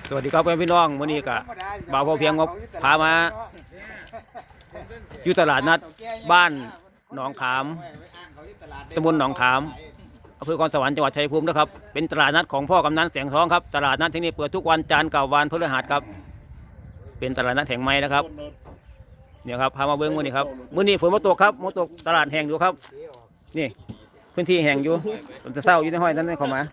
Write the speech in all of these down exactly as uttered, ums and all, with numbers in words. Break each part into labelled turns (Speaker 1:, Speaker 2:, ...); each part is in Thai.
Speaker 1: สวัสดีครับเพื่อนพี่น้องวันนี้ก็บ่าวพอเพียงงบพามาอยู่ตลาดนัดบ้านหนองขามตำบลหนองขามอำเภอคอนสวรรค์จังหวัดชัยภูมินะครับเป็นตลาดนัดของพ่อกำนันแสงทองครับตลาดนัดที่นี่เปิดทุกวันจันทร์กับวันพฤหัสครับเป็นตลาดนัดแห่งใหม่นะครับเนี่ยครับพามาเบิ้งวันนี้ครับมื้อนี้ฝนมาตกครับมาตกตลาดแห่งอยู่ครับนี่พื้นที่แห่งอยู่ผมจะเศร้าอยู่ในห้อยนั้นเข้ามา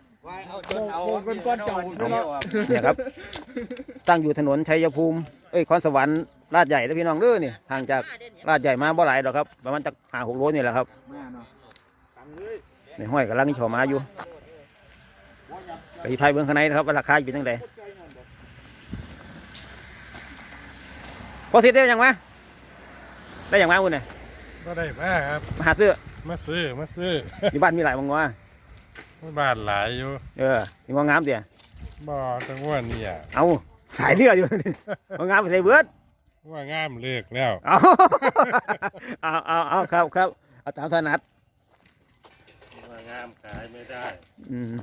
Speaker 1: เนี่ยครับตั้งอยู่ถนนชัยภูมิเอ้ยคอนสวรรค์ลาดใหญ่แล้วพี่น้องเด้อนี่ห่างจากลาดใหญ่มาบ่หลายหรอกครับประมาณจากห้าหกโลนี่แหละครับในห้อยกำลังนี่ชอมาอยู่ไปที่ไพ่เบื้องข้างในนะครับราคาอยู่ตั้งแต่พอสิได้ยังไงได้ยังไงคุณเนี่ย
Speaker 2: ก็ได้มาครับ
Speaker 1: มาหาซื้อ
Speaker 2: มาซื้อมาซื้อ
Speaker 1: อยู่บ้านมีหลายมังงะ
Speaker 2: บ้านหลายอยู่
Speaker 1: เออมีมังงามเดีย
Speaker 2: บ่จังว่านี่อ่ะ
Speaker 1: เอาสายเลือดอยู่มังงามไปใส่เบิร์ด
Speaker 2: ว่างามเลือกแล้ว
Speaker 1: เอาเอาเอาเอาครับครับเอาตามถนัด
Speaker 2: ว่างามขายไม่ได้
Speaker 1: อืม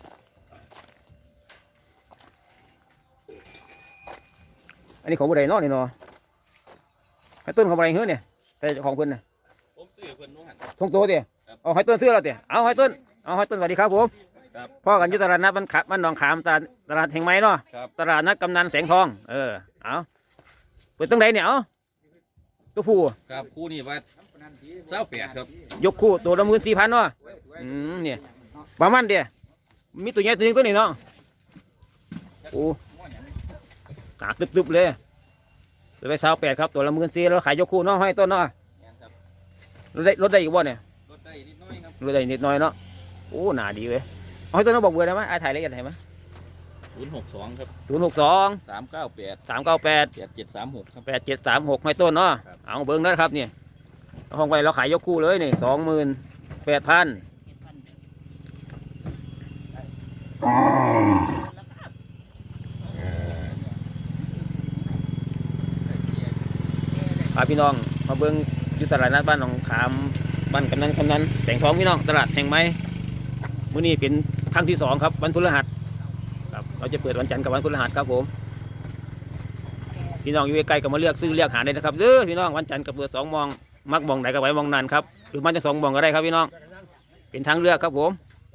Speaker 1: อันนี้ของบุไรนอกนี่เนาะให้ต้นของบุไรเฮ้ยเนี่ยแต่ของคุณน่ะผมซื้อเพิ่นนู้นหันทงโตเดียเอาให้ต้นซื้อเราเดียเอาให้ต้นเอาให้ต้นสวัสดีครับผมพ่อกันยุตลาดนัดบ้านขับบ้านหนองขามตลาดตลาดแห่งไม้เนาะตลาดนัดกำนันแสงทองเออเอาเปิดตั้งไหนเนี่ยเอาตัวผู้
Speaker 3: ครับคู่นี้ว่าเจ้าแปดครับ
Speaker 1: ยกคู่ตัวละหมื่นสี่พันเนาะอืมเนี่ยประมาณเดียมีตัวใหญ่ตัวนึงตัวนี้เนาะโอ้หนักตึบๆเลยตัวไปสาวแปดครับตัวละหมื่นสี่แล้วขายยกคู่เนาะให้ต้นเนาะรถได้รถได้อีกบ่เนี่ย
Speaker 3: รถได้นิดน้อยครับ
Speaker 1: รถได้นิดน้อยเนาะโอ้หนาดีเว้ยเอาให้ต้นเราบอกเบอร์ได้ไหมไอ้ถ่ายละเอียดได้ไหม
Speaker 3: ศูนย์หกสองครับ
Speaker 1: ศูนย์หกสอง
Speaker 3: สามเก้าแปด
Speaker 1: สามเก้าแปด
Speaker 3: แปดเจ็ดสามหกครับ
Speaker 1: แปดเจ็ดสามหกให้ต้นเนาะเอาเบิ้งนะครับเนี่ยห้องไว้เราขายยกคู่เลยนี่สองหมื่นแปดพันพาพี่น้องมาเบิ้งอยู่ตลาดนัดบ้านหนองขามบ้านกำนันกำนันแต่งทองพี่น้องตลาดแห่งไม้มื้อนี้เป็นครั้งที่สองครับวันพฤหัสครับเราจะเปิดวันจันทร์กับวันพฤหัสครับผมพี่น้องอยู่ใกล้ๆก็มาเลือกซื้อเลือกหาได้นะครับเด้อพี่น้องวันจันทร์กับเปิดสองมองมักมองไหนก็ไว้มองนั้นครับหรือมันจะสองมองก็ได้ครับพี่น้องเป็นทางเลือกครับผม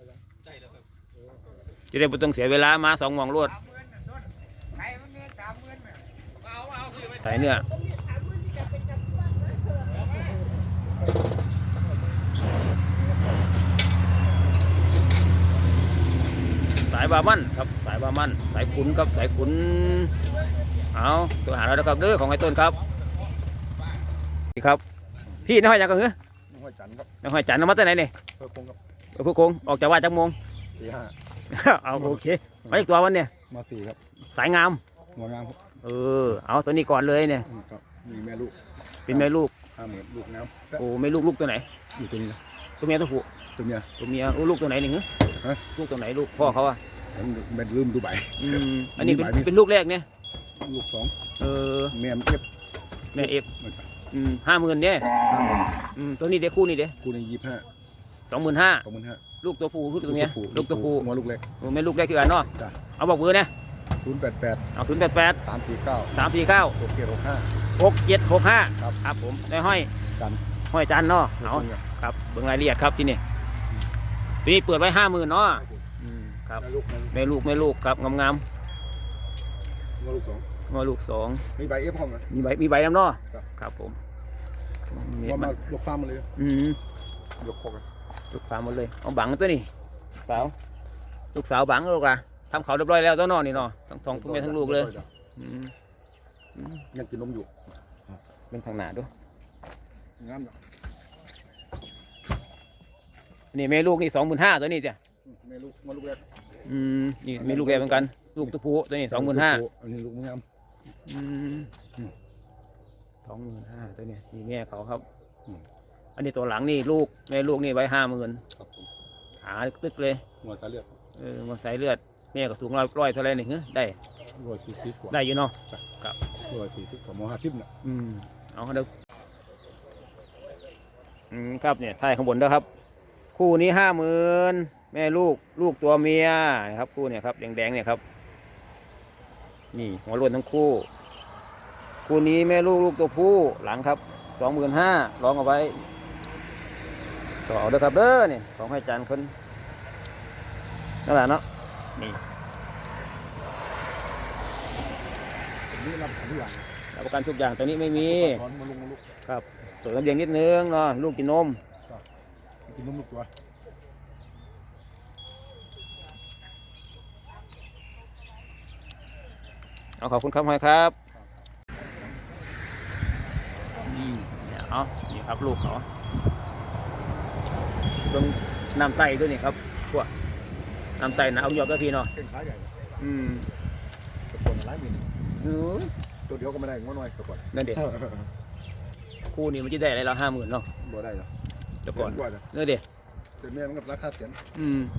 Speaker 1: จะได้ไม่ต้องเสียเวลามาสองมองรวดใส่เนื้อสายบามันครับสายบามันสายขุนครับสายขุนเอาตัวหาเราแล้วครับเด้อของไอ้ต้นครับนี่ครับพี่น้อยอยากกันเหรอน้อยจันครับน้อยจันมาตั้งไหนเนี่ยเพื่อคงครับเพื่อคงออกจากว่าจักโมงสี่ห้าเอาโอเคมาอีกตัววันเนี่ย
Speaker 2: มาสี่ครับ
Speaker 1: สายงาม
Speaker 2: งามครับ
Speaker 1: เออเอาตัวนี้ก่อนเลยเนี่ย
Speaker 2: มีแม่ลูก
Speaker 1: เป็นแม่ลูก
Speaker 2: ห้าหมื่นลูกน้
Speaker 1: ำโอ้แม่ลูกลูกตัวไหน
Speaker 2: อยู่ตัวนี้นะ
Speaker 1: ตัวเมียตัวผู้
Speaker 2: ตัวเมีย
Speaker 1: ตัวเมียลูกตัวไหนหนึ่งฮะลูกตัวไหนลูกพ่อเขาอ่ะ
Speaker 2: เป็นลืมดูใบ
Speaker 1: อืมอันนี้เป็นเป็นลูกแรกเนี่ย
Speaker 2: ลูกสอง
Speaker 1: เออ
Speaker 2: แม่เอฟ
Speaker 1: แม่เอฟอืมห้าหมื่นเนี่ยอืมตัวนี้เด็กคู่นี่เด็ก
Speaker 2: คู่นี้ยี่ห้า
Speaker 1: สองหมื่นห้า
Speaker 2: สองหมื่นห้า
Speaker 1: ลูกตัวผู้ลูกตัวเมียลูกตัวผู้
Speaker 2: มาลูกเล็ก
Speaker 1: แม่ลูกแรกคืออันเนาะเอาบอกเบอร์เนี่ย
Speaker 2: ศูนย์แปดแปด
Speaker 1: เอาศูนย์แปดแปด
Speaker 2: สามสี่เก้า
Speaker 1: สามสี่เก้า
Speaker 2: หกเจ็ดหกห้า
Speaker 1: หกเจ็ดหกห้า
Speaker 2: ครับ
Speaker 1: ครับผมได้ห้อย
Speaker 2: จัน
Speaker 1: ห้อยจันเนาะเอาครับเบิ่งรายละเอียดครับที่นี่ปีนี้เปิดไว้ห้าหมื่นเนาะครับแม่ลูกแม่ลูกครับงามงาม
Speaker 2: งอลูกสอง
Speaker 1: งอลูกสอง
Speaker 2: มีใบเอฟห้องไหม
Speaker 1: มีใบมีใบน้ำเนาะครับผม
Speaker 2: งอมายกฟาร์มมาเลย
Speaker 1: อืม
Speaker 2: ยกคอก
Speaker 1: ยกฟาร์มมาเลยเอาบังตัวนี้สาวลูกสาวบังลูกอะทำเขาเรียบร้อยแล้วตัวนอนนี่เนาะทั้งสองทั้งแม่ทั้งลูกเลย
Speaker 2: ยังกินนมอยู่
Speaker 1: เป็นทางหนาด้วย
Speaker 2: งาม
Speaker 1: นี่แม่ลูกนี่สองหมื่นห้าตัวนี้จ้ะ
Speaker 2: แม่ลูกมาลูกแรก
Speaker 1: อืมนี่แม่ลูกแรกเหมือนกันลูกตัวผู้ตัวนี้สองหมื่นห้า
Speaker 2: อันนี้ลูกงาม
Speaker 1: อืมสองหมื่นห้าตัวนี้นี่แม่เขาครับอันนี้ตัวหลังนี่ลูกแม่ลูกนี่ไว้ห้าหมื่นหาตึกเลย
Speaker 2: หัวสายเลือด
Speaker 1: เออหัวสายเลือดแม่ก็สูงร้อยร้อยเท่าไรหนึ่งได้
Speaker 2: ร้อยสี่สิบกว่า
Speaker 1: ได้อยู่เนาะครับ
Speaker 2: ร้อยสี่สิบกว่าโมห้าสิบเนี่ย
Speaker 1: อืมเอาเดี๋ยวอืมครับเนี่ยท้ายข้างบนด้วยครับคู่นี้ห้าหมื่นแม่ลูกลูกตัวเมียครับคู่เนี่ยครับแดงๆเนี่ยครับนี่หัวโล้วนทั้งคู่คู่นี้แม่ลูกลูกตัวผู้หลังครับสองหมื่นห้าลองเอาไว้ต่อเอาเด้อครับเด้อนี่ของให้จานคนนั่นแหละเนาะนี่
Speaker 2: นี่รับทุกอย่าง
Speaker 1: รับประกันทุกอย่างตัวนี้ไม่มี
Speaker 2: ถอนมาลงมาลุก
Speaker 1: ครับตัวน้ำเลี้ยงนิดนึงเนาะลูกกินนม
Speaker 2: กินนมลูกตัว
Speaker 1: เอาขอบคุณครับหอยครับนี่เนี่ยเอานี่ครับลูกเขาเบิ่งน้ำไตด้วยนี่ครับพวกน้ำไตนะเอาหยอกก็พี่เนาะ
Speaker 2: เก่งขาใหญ่
Speaker 1: อืม
Speaker 2: ตะกอนหลายหมื่น
Speaker 1: อือ
Speaker 2: ตัวเดียวก็ไม่ได้งอน้อยตะกอน
Speaker 1: นั่นเด็กคู่นี้มันจะได้อะไรเราห้าหมื่นเนาะ
Speaker 2: บ่ได้หรอ
Speaker 1: แต่ก่อน
Speaker 2: กว่านะ
Speaker 1: นั่นเด็ก
Speaker 2: แต่แม่มันก็ราคาเสียน
Speaker 1: อืม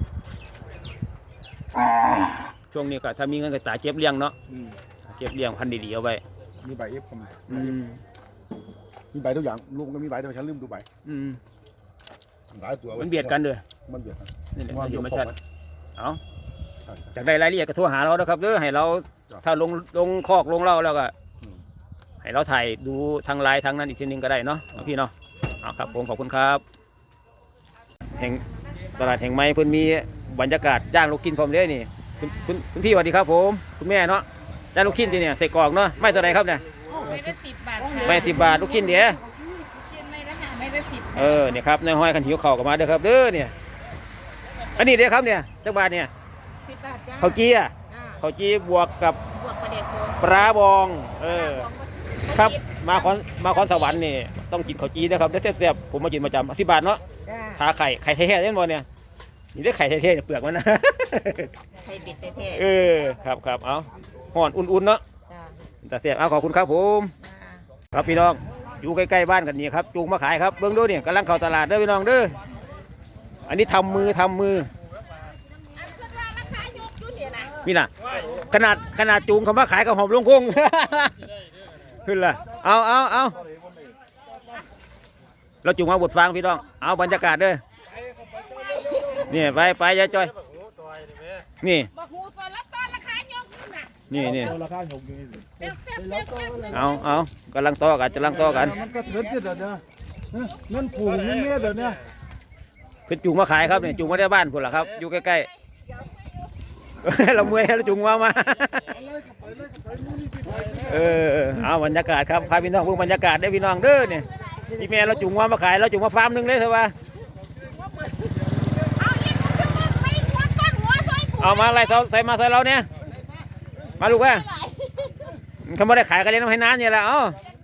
Speaker 1: ช่วงนี้ก็ถ้ามีเงินก็ตาเจ็บเลี้ยงเนาะ
Speaker 2: อืม
Speaker 1: เจ็บเลี้ยงพันธุ์ดีๆเอาไว้
Speaker 2: มีใบเอฟคำ
Speaker 1: อืม
Speaker 2: มีใบทุกอย่างลูกก็มีใบแต่ฉันลืมดูใบ
Speaker 1: อืม
Speaker 2: หลายตัว
Speaker 1: มันเบียดกันเลย
Speaker 2: มันเบียดกัน
Speaker 1: นี่แหละ
Speaker 2: ว่า
Speaker 1: มันอ
Speaker 2: เดี๋ย
Speaker 1: ยู่
Speaker 2: ว
Speaker 1: มา
Speaker 2: คร
Speaker 1: ชั
Speaker 2: บ
Speaker 1: ด
Speaker 2: ไหม
Speaker 1: เอา
Speaker 2: ใช่
Speaker 1: จากได้รายละเอียดก็โทรหาเรานะครับเด้อให้เรา
Speaker 2: จ้ะ
Speaker 1: ถ้าลงลงคอกลงเล่าแล้วก็
Speaker 2: อืม
Speaker 1: ให้เราถ่ายดูทางไลน์ทางนั้นอีกทีนึงก็ได้เนาะเอาพี่เนาะเอาครับผมขอบคุณครับแห่งตลาดแห่งไม้เพิ่นมีบรรยากาศย่างลูกชิ้นพร้อมเลยนี่คุณคุณคุณพี่สวัสดีครับผมคุณแม่เนาะย่างลูกชิ้นที่เนี่ยใส่กรอกเนาะไม่เท่าไรครับเนี่ย
Speaker 4: ไม่ได้สิบบาทค่ะ
Speaker 1: ไม่สิบบาทลูกชิ้นเดียว
Speaker 4: กินไม่ได้ค่ะไม่ได้สิบ
Speaker 1: เออเนี่ยครับนายห้อยขันหิวเข่าวกันมาเด้อครับเด้อเนี่ยอันนี้เด้อครับเนี่ยจักบาทเนี่ย
Speaker 4: สิบบาทจ้า
Speaker 1: ข้าวจี้อ่ะ
Speaker 4: อ่า
Speaker 1: ข้าวจี้บวกกับบ
Speaker 4: วกประเด็กโคน
Speaker 1: ปลาบองเออ
Speaker 4: ของ
Speaker 1: ครับมาคอนมาคอนสวรรค์นี่ต้องกินข้าวจีนะครับได้แซ่บๆผมมากินประจำสิบบาทเนาะ
Speaker 4: จ้า
Speaker 1: ทาไข่ไข่แท้ๆเล่นบอลเนี่ยนี่ได้ไข่แท้ๆเนี่ยเปลือกมันนะ
Speaker 4: ไข่เป็ดเท่
Speaker 1: เออครับครับเอาห่อนอุ่นๆเนาะ
Speaker 4: ๆจ้า
Speaker 1: แต่แซ่บเอาขอบคุณครับผม
Speaker 4: จ้า
Speaker 1: ครับพี่น้องอยู่ใกล้ๆบ้านกันนี่ครับจูงมาขายครับเบื้องดูเนี่ยกำลังเข้าตลาดเด้อพี่น้องเด้ออันนี้ทำมือทำมือ
Speaker 4: อันราคายกอยู่เนี่ยนะ
Speaker 1: นี่น่ะขนาดขนาดจูงเขามาขายกับหอมลงคง ขึ้นละเอาเอาเอาเราจูงมาบทฟังพี่น้องเอาบรรยากาศเด้อนี่ไปไปยายจอยนี่
Speaker 4: บอกหูตัวละตอนราคายกอยู่น่ะ
Speaker 1: นี่นี่
Speaker 2: ราคาหกอยู่นี่
Speaker 4: เป๊ะเป๊ะเป๊ะเป๊ะ
Speaker 1: เอาเอากำลังต่อกันกำลังต่อกัน
Speaker 2: มันก็เถิดเดี๋ยวเนี้เงินผูกเงินเมียเดี๋ยวนี้
Speaker 1: คือจูงมาขายครับเนี่ยจูงมาได้บ้านพุ่นล่ะครับอยู่ใกล้ๆ เราเมื่อยเราจูงมามา เออเอาบรรยากาศครับพาพี่น้องเพิ่งบรรยากาศได้อพี่น้องเด้อเนี่ยพี่แม่เราจูงมามาขายเราจูงมาฟาร์มหนึงเลยเถอะว่า
Speaker 4: เอาอีกชั่วโมงไปหัวต้นหัวซอยกู
Speaker 1: เอามาอะไรใส่ใส่มาใส่เราเนี่ยมาลูกว่าเขาไม่ได้ขายกันเลยน้ำให้น้ำเนี่ยแหละเอ้า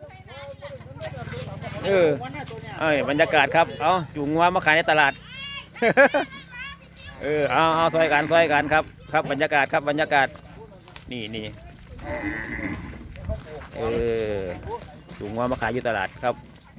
Speaker 1: เออเอ้ยบรรยากาศครับเอาจูงมามาขายในตลาด เออเอาเอาซอยกันซอยกันครับครับบรรยากาศครับบรรยากาศนี่นี่เออจูงมามาขายอยู่ตลาดครับ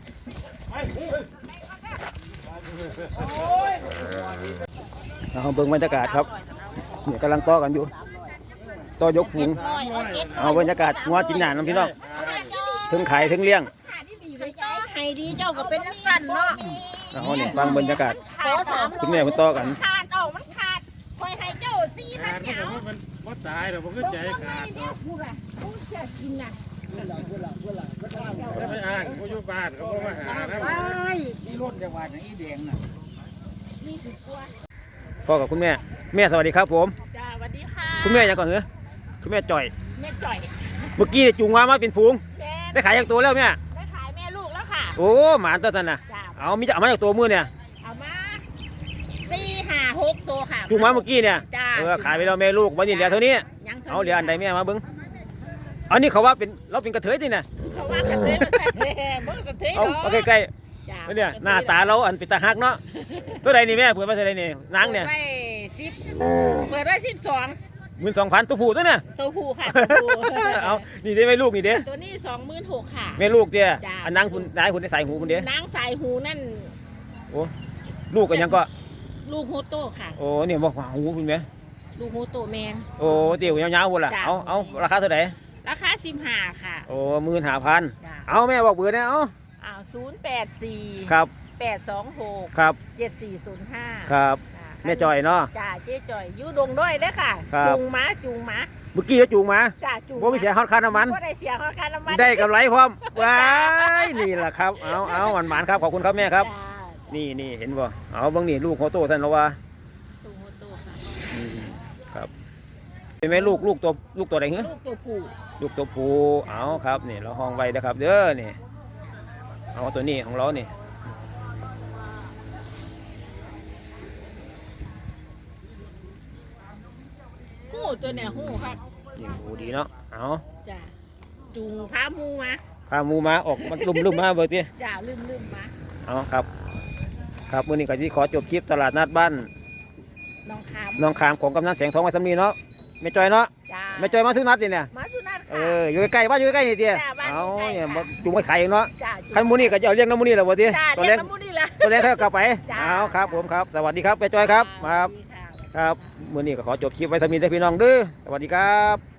Speaker 1: เอาเบิ่งบรรยากาศครับเนี่ยกำลังต่อกันอยู่ต่อยกฝูงเอาบรรยากาศงัวจินหนานน้ำพี่น้องถึงขายถึงเลี้ยง
Speaker 4: ให้ดีเจ้าก็เป็นนักสั่นเนาะ
Speaker 1: เอาเนี่ยฟังบรรยากาศ
Speaker 4: ขอสาม
Speaker 1: คุณแม่คุณต่อกัน
Speaker 4: ขาดออกมันขาดคอยให้เจ้าสี่พันเหนียว
Speaker 5: มันว่าตายเดี๋ยวผมก็ใจขาด
Speaker 4: เนี่ยพูดอะพูดจะกินน่ะ
Speaker 5: ไม่ไปอ่านผู้ยุบานเขาก็มาหาแล้ว
Speaker 4: นี่คือกลัว
Speaker 1: พ่อกับคุณแม่แม่สวัสดีครับผม
Speaker 4: จ้าสวัสดีค่ะ
Speaker 1: คุณแม่ยังก่อนเหรอคุณแม่จ่อย
Speaker 4: แม่จ่อย
Speaker 1: เมื่อกี้จูงมามาเป็นฝูง
Speaker 4: แม่
Speaker 1: ได้ขายจากตัวแล้วแม่
Speaker 4: ได้ขายแม่ลูกแล้วค่ะ
Speaker 1: โอ้หมานตัวสันนะ
Speaker 4: จ้า
Speaker 1: เอามีจะเอามาจากตัวมือเนี่ย
Speaker 4: เอามาสี่ห้าหกตัวค่ะ
Speaker 1: จูงมาเมื่อกี้เนี่ย
Speaker 4: จ้า
Speaker 1: เออขายไปแล้วแม่ลูกวันนี้เหลือเท่านี้
Speaker 4: ยังท่
Speaker 1: เอาเหลืออันใดแม่มาเบิ้งอันนี้เขาว่าเป็นเราเป็นกระเทยที่น่ะ
Speaker 4: เขาว่ากระเทยมาใส่เมื่อกระเทย
Speaker 1: เอา
Speaker 4: เนาะ
Speaker 1: เอาใกล้
Speaker 4: จ้า
Speaker 1: ๆเนี่ยหน้าตาเราอันเป็นตาฮักเนาะตัวใดนี่แม่เปิดมาใส่ใดนี่นางเนี่ย
Speaker 4: เปิดไว้สิบเปิดไว้สิบสอง
Speaker 1: หมื่นสองพันตัวผู้ตัวเนี่ย
Speaker 4: ตัวผู้ค่ะตัวผู้
Speaker 1: เอานี่เด้แม่ลูกนี่เด้
Speaker 4: ตัวนี้สองหมื่นหกค่ะ
Speaker 1: แม่ลูกเด้
Speaker 4: จ้ะ
Speaker 1: อันนางคุณนายคุณได้ใส่หูคุณเด้
Speaker 4: นางสายหูนั่น
Speaker 1: โอ้ลูกกันยังก็
Speaker 4: ลูกโฮโต้ค่ะ
Speaker 1: โอ้เนี่ยบอกว่าหูคุณแม่
Speaker 4: ลูกโฮโต้แมน
Speaker 1: โอ้เตี๋ยวยาวๆคุณล่ะ
Speaker 4: จ้ะ
Speaker 1: เอาเอาราคาเท่าไหร่
Speaker 4: ราคาสิบห้าค่ะ
Speaker 1: โอ้หมื่นห้าพัน
Speaker 4: จ้า
Speaker 1: เอาแม่บอกเบอร์เนี่ยเอา
Speaker 4: อ้าวศูนย์แปดสี่
Speaker 1: ครับ
Speaker 4: แปดสองหก
Speaker 1: ครับ
Speaker 4: เจ็ดสี่ศูนย์ห้า
Speaker 1: ครับแม่จอยเนาะ
Speaker 4: จ้าเจ๊จอยอยูดงด้วยเด้อค่ะ
Speaker 1: ครับ
Speaker 4: จูงม้าจูงม้า
Speaker 1: เมื่อกี้เราจูงมา
Speaker 4: จ้าจูง
Speaker 1: บ่มีเสียค่าค่าน้ำมัน
Speaker 4: บ่ได้เสียค่าค่าน้ำมัน
Speaker 1: ได้กำไรพร้อมว้ายนี่แหละครับเอาเอาหวานหวานๆครับขอบคุณครับแม่ครับ
Speaker 4: จ้า
Speaker 1: นี่นี่เห็นบ่เอาเบางนี่ลูกเขาโตสันแล้วว่า
Speaker 4: ตัวโตค่ะ
Speaker 1: อืมครับเป็นไหมลูกลูกตัวลูกตัวไหนเหรอ
Speaker 4: ลูกตัวผู้
Speaker 1: ลูกตัวผู้เอาครับนี่เราห้องไว้นะครับ เด้อนี่เอาตัวนี้ของเรานี่
Speaker 4: หู้ตัวเนี่ยหู้ครับ
Speaker 1: นี่โอ้ดีเนาะเอา
Speaker 4: จ้าจูงพาหมูมา
Speaker 1: พาหมูมาออกมันลุ่มลุ่มๆมาเบิดที
Speaker 4: จ้าลืมลืมมา
Speaker 1: เอาครับ ครับมื้อนี้ก็ที่ขอจบคลิปตลาดนัดบ้าน
Speaker 4: น้องขาม
Speaker 1: น้องขามของกำนันแสงทองไว้สำนีเนาะไม่จอยเนาะ
Speaker 4: จ้า
Speaker 1: ไม่จอยมาซื้อนัดนี่เนี่ย
Speaker 4: มาสุนัข
Speaker 1: เอ
Speaker 4: ค่ะ
Speaker 1: ออยู่ใกล้ๆบ้านอยู่ใกล้ๆนี่เตี้ย
Speaker 4: จ้ะบ้านอยู่
Speaker 1: เอา
Speaker 4: ใกล้
Speaker 1: เนี่ย
Speaker 4: ค่ะ
Speaker 1: จุงไว้ขายเองเนาะ
Speaker 4: จ้า
Speaker 1: คันหมูนี่ก็จะเอาเลี้ยงน้ำหมูนี่แหละบ่ที
Speaker 4: จ้า
Speaker 1: ตัว
Speaker 4: เลี้
Speaker 1: เลี้
Speaker 4: ย
Speaker 1: ย
Speaker 4: ง
Speaker 1: ง
Speaker 4: น้ำมูนี่ละ
Speaker 1: ตัวเลี้ยงเขากลับไป
Speaker 4: จ้ะ
Speaker 1: เอาครับผมครับสวัสดีครับไปจอยครับ
Speaker 4: จ้า
Speaker 1: ครับ
Speaker 4: สวัสดีค่ะ
Speaker 1: ครับมื้อนี้ก็ขอจบคลิปไว้สำนีได้อพี่น้องเด้อสวัสดีครับ